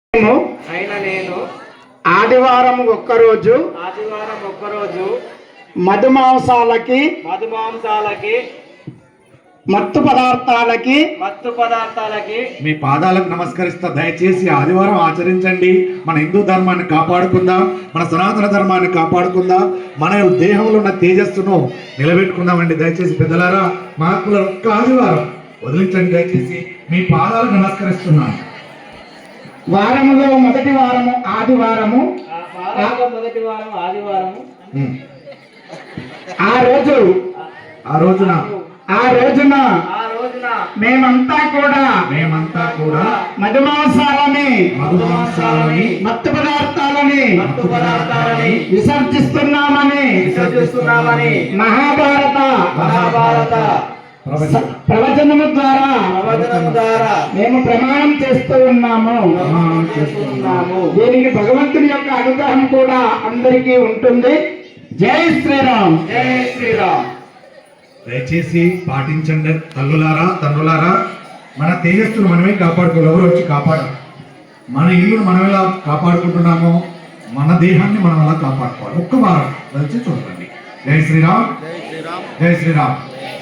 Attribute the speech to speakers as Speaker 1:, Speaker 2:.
Speaker 1: నేను
Speaker 2: ఆదివారం ఒక్కరోజు మధుమాంసాలకి మత్తు పదార్థాలకి
Speaker 3: మీ పాదాలకు నమస్కరిస్తా. దయచేసి ఆదివారం ఆచరించండి. మన హిందూ ధర్మాన్ని కాపాడుకుందాం, మన సనాతన ధర్మాన్ని కాపాడుకుందాం, మన దేహంలో ఉన్న తేజస్సును నిలబెట్టుకుందామండి. దయచేసి పెద్దలారా, మహాత్ముల ఒక్క ఆదివారం వదిలించండి. దయచేసి మీ పాదాలకు నమస్కరిస్తున్నాను.
Speaker 2: వారములో మొదటి వారము ఆదివారము. ఆ రోజున మేమంతా కూడా మధుమాంసాలని మత్తు పదార్థాలని విసర్జిస్తున్నామని మహాభారత ప్రవచనము ద్వారా మేము ప్రమాణం చేస్తూ ఉన్నాము. దీనికి భగవంతుని యొక్క అనుగ్రహం కూడా అందరికీ ఉంటుంది. జై శ్రీరామ్.
Speaker 1: జై శ్రీరామ్.
Speaker 3: దయచేసి పాటించండి. తండ్రులారా, మన తేజస్సును మనమే కాపాడుకోవాలి. ఎవరు వచ్చి కాపాడాలి? మన ఇల్లును మనం ఎలా కాపాడుకుంటున్నామో మన దేహాన్ని మనం ఎలా కాపాడుకోవాలి. ఒక్క వారం దయచేసి చూడండి. జై శ్రీరామ్. జై శ్రీరామ్.